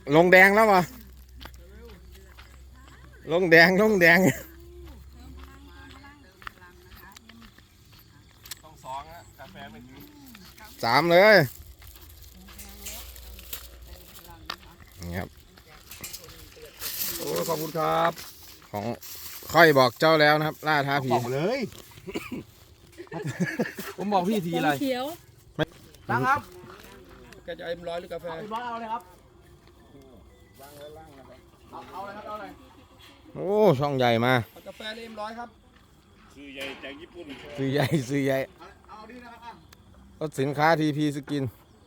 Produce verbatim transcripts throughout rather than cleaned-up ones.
ลงแดงแล้ววะลงแดงลงแดงต้องสองนะกาแฟไม่ถึงสามเลยนี่ครับโอ้ขอบคุณครับของค่อยบอกเจ้าแล้วนะครับล่าท้าผีบอกเลยผมบอกพี่ทีอะไรเขียวตั้งครับแกจะเอ็มร้อยหรือกาแฟเอ็มร้อยเอาเลยครับเอาเอาเลยครับเอาเลยโอ้ช่องใหญ่มากาแฟเอ็มร้อยครับซื้อใหญ่จากญี่ปุ่นซื้อใหญ่ซื้อใหญ่เอาดีนะครับรถสินค้าทีพีสกิน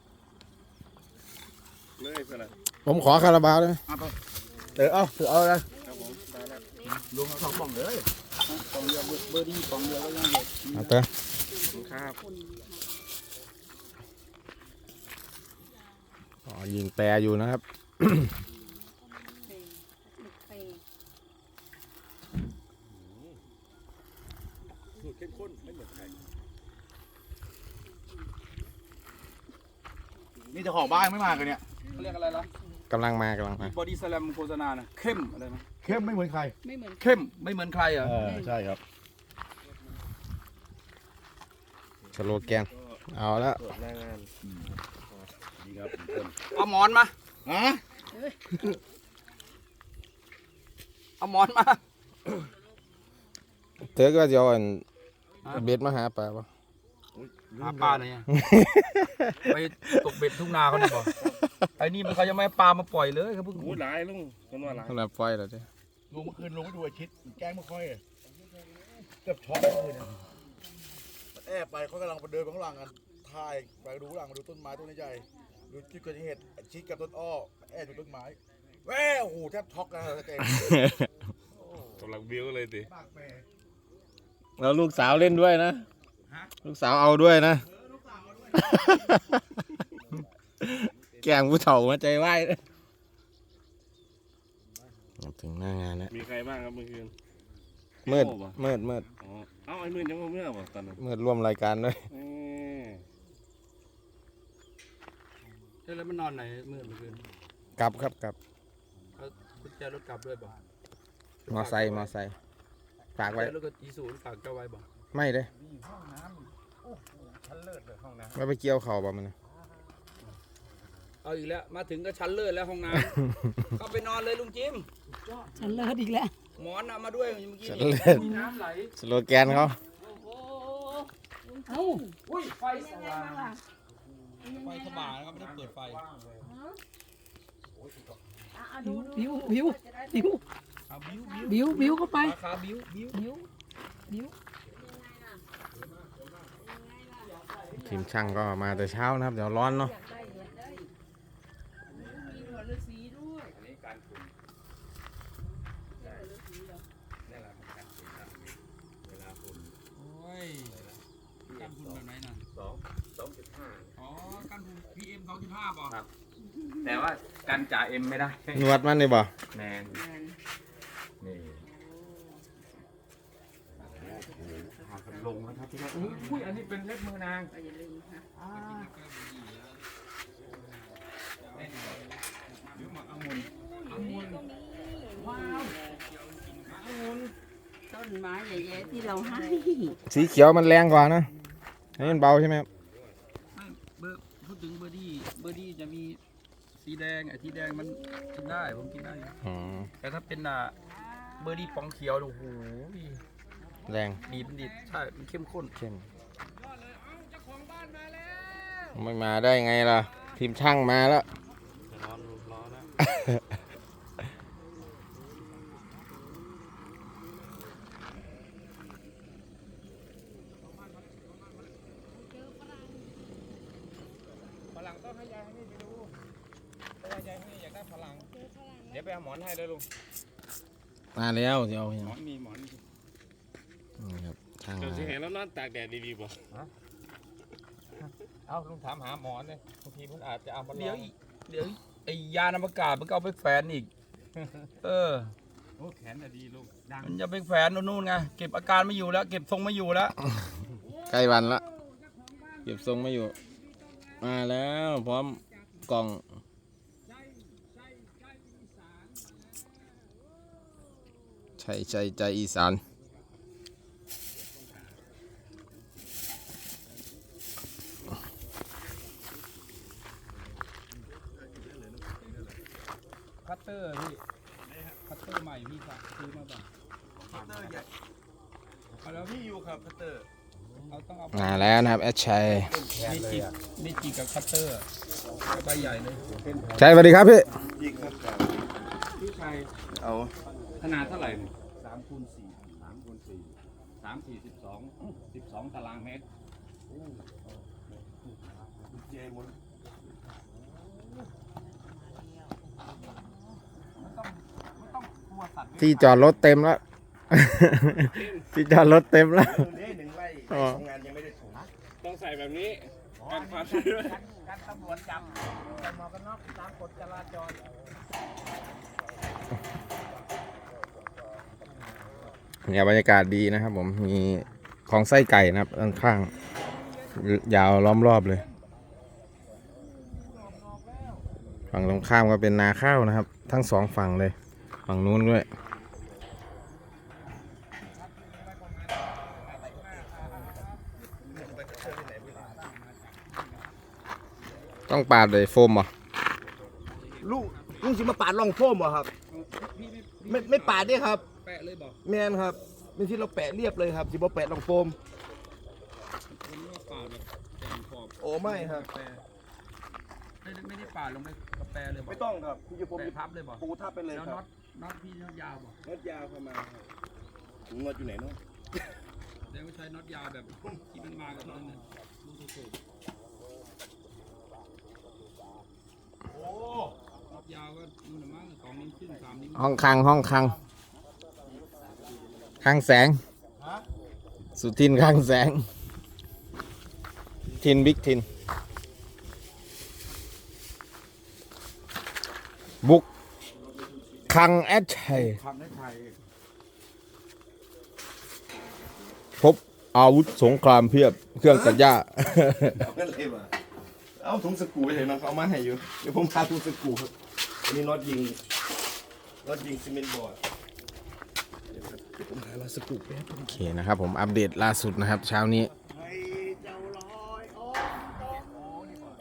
เลยสินะผมขอคาราบาวได้ไหมเออเอาถือเอาเลยครับผมได้แล้วลุงสองป่องเลยป่องเดียวเบอร์ดี้ป่องเดียวก็ยังอยู่เอาเถอะครับอ๋อยิงแปรอยู่นะครับสูตรเข้มข้นไม่เหมือนใครนี่จะขอบ้านไม่มากันเนี่ยเขาเรียกอะไรล่ะกำลังมากำลังมาบอดี้สแลมโฆษณานะเข้มอะไรนะเข้มไม่เหมือนใครไม่เหมือนเข้มไม่เหมือนใครอ่ะใช่ครับสโลแกนเอาแล้วหน้างานดีครับเอาหมอนมาฮะเอาหมอนมาเธอก็จะเอาเบ็ดมาหาปลาปะหาปลาเนี่ยไปตกเบ็ดทุ่งนาเขาเนี่ยบอกไอ้นี่มันเขายังไม่ปลามาปล่อยเลยครับเพิ่งโอ้หลายลุงคนว่าหลายขนาดปล่อยแล้วเจ้ลุงเมื่อคืนลุงไปดูไอ้ชิดแกล้งไม่ค่อยเกือบช็อตเลยเนี่ยแอบไปเขากำลังไปเดินข้างหลังกันถ่ายไปดูหลังมาดูต้นไม้ต้นใหญ่ดูที่เกิดเหตุชิดกับต้นอ้อแอบดูต้นไม้แว่โอ้โหแทบช็อกนะแกกำลังบิ้วเลยดิแล้วลูกสาวเล่นด้วยนะลูกสาวเอาด้วยนะแกงผู้เฒ่ามาใจไหวถึงหน้างานแล้วมีใครบ้างครับเมื่อคืนมืดมืดมืดอ๋อเอ้าไอ้มืดยังไม่เมื่อวะตอนนั้นมืดร่วมรายการด้วยเฮ้ยแล้วมันนอนไหนมืดเมื่อคืนกลับครับกลับกุญแจรถกลับด้วยบ่มอไซค์มอไซค์ฝากไว้แล้วก็อีซูนฝากเจ้าไว้บ่ไม่เลยไม่ไปเกี่ยวเข่าบ่มันเอาอีกแล้วมาถึงก็ชั้นเลิศแล้วห้องน้ำเข้าไปนอนเลยลุงจิมชั้นเลิศอีกแล้วหมอนเอามาด้วยเมื่อกี้มีน้ำไหลสโลแกนเขาเอ้าอุ้ยไฟสว่างไฟสว่างนะครับไม่ได้เปิดไฟบิวบิวบิวบิวบิวเข้าไปขาบิวบิวบิวบิวทีมช่างก็มาแต่เช้านะครับเดี๋ยวร้อนเนาะกันฝุ่นแบบไหนน่ะสองสองจุดห้าอ๋อกันฝุ่นพีเอ็มสองจุดห้าป่ะครับแต่ว่ากันจ่าเอ็มไม่ได้นวดมันนี่บ่แมนนี่ลงนะครับที่นี่อุ้ยอันนี้เป็นเล็บมือนางอย่าลืมค่ะอ่าองุ่นองุ่นว้าวองุ่นต้นไม้ใหญ่ๆที่เราให้สีเขียวมันแรงกว่านะนี่มันเบาใช่ไหมครับเบอร์พูดถึงเบอร์ดี้เบอร์ดี้จะมีสีแดงไอ้ที่แดงมันกินได้ผมกินได้แต่ถ้าเป็นอ่ะเบอร์ดี้ปองเขียวโอ้โหแรงดีมันดีใช่มันเข้มข้นเข้มไม่มาได้ไงล่ะทีมช่างมาแล้วร้อนร้อนแล้วฝรั่งต้องให้ยายให้นี่ไปดูเพราะว่ายายให้อยากได้ฝรั่งเดี๋ยวไปเอาหมอนให้เลยลุงมาแล้วเดี๋ยวหมอนมีหมอนนี่ครับช่างเดี๋ยวจะเห็นแล้วนอนตากแดดดีๆป่ะเอาลุงถามหาหมอนเลยบางทีผมอาจจะเอามาเดี๋ยวเดี๋ยวไอ้ยานอวกาศมันก็เอาไปแฝนอีกเออโอ้แขนน่ะดีลูกมันจะไปแฝนนู่นไงเก็บอาการไม่อยู่แล้วเก็บทรงไม่อยู่แล้วใกล้วันละเก็บทรงไม่อยู่มาแล้วพร้อมกล่องใช่ใช่ใจอีสานคัตเตอร์พี่คัตเตอร์ใหม่พี่ฝากซื้อมาป่ะคัตเตอร์ใหญ่เอาแล้วพี่อยู่ครับคัตเตอร์เราต้องเอามาแล้วนะครับแอดชัยไม่จิกไม่จิกกับคัตเตอร์ใบใหญ่เลยชัยสวัสดีครับพี่ยิงครับพี่ชายเอาขนาดเท่าไหร่สามคูณสี่สามคูณสี่สามสี่สิบสองสิบสองตารางเมตรเจมุนที่จอดรถเต็มแล้ว ที่จอดรถเต็มแล้วตรงนี้หนึ่งไร่ทำงานยังไม่ได้ถูกต้องใส่แบบนี้กันความการตำรวจจับใส่หมวกกันน็อกตามกฎจราจรเนี่ยบรรยากาศดีนะครับผมมีของไส้ไก่นะครับข้างๆยาวล้อมรอบเลยฝั่งตรงข้ามก็เป็นนาข้าวนะครับ ทั้งสองฝั่งเลยฝั่งนู้นด้วยต้องปาดเลยโฟมเหรอลูกลุงสิมาปาดร่องโฟมเหรอครับพี่ไม่ไม่ไม่ปาดเนี่ยครับแปะเลยบอกแมนครับเป็นที่เราแปะเรียบเลยครับสิบ่แปะร่องโฟมผมว่าปาดแบบแต่งขอบโอ้ไม่ครับแปะไม่ได้ไม่ได้ปาดลงไปกระแปะเลยบอกไม่ต้องครับพี่จะผมแปะพับเลยบอกปูทับไปเลยแล้วคน็รัอบ ตน็อตพี่น็อตยาวบอกน็อตยาวเข้ามาครับถุงน็อตอยู่ไหนเนาะแล้วก็ใช้น็อตยาวแบบที่มันมากับนั้นน่ะลูกสูบโอ้น็อตยาวก็นู่นน่ะมั้งสองนิ้วครึ่งสามนิ้วห้องคังห้องคังข้างแสงฮะสุทินข้างแสง ทินบิ๊กทิน บุกคังแอดชัยทำได้ไทยพบอาวุธสงครามเพียบเครื่องตัดหญ้าเอากันเลยว่ะเอาถุงสกรูไปเถอะนะเขาเอามาให้อยู่เดี๋ยวผมพาถุงสกรูครับอันนี้น็อตยิงน็อตยิงซีเมนต์บอร์ดเดี๋ยวครับเดี๋ยวผมหาน็อตสกรูไปให้โอเคนะครับผมอัปเดตล่าสุดนะครับ เช้านี้ให้เจ้าลอยโอ้โอ้นี่ก่อน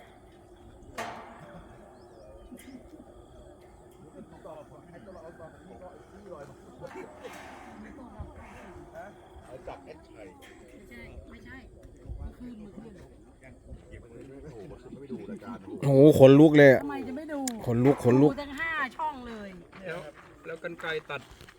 เอาจับแอดไทยไม่ใช่ไม่ใช่เมื่อคืนเมื่อคืนโอ้โหมันไม่ดูรายการโอ้โหขนลุกเลยอะทำไมจะไม่ดูขนลุกขนลุกดูทั้งห้าช่องเลยแล้วแล้วกันไกรตัด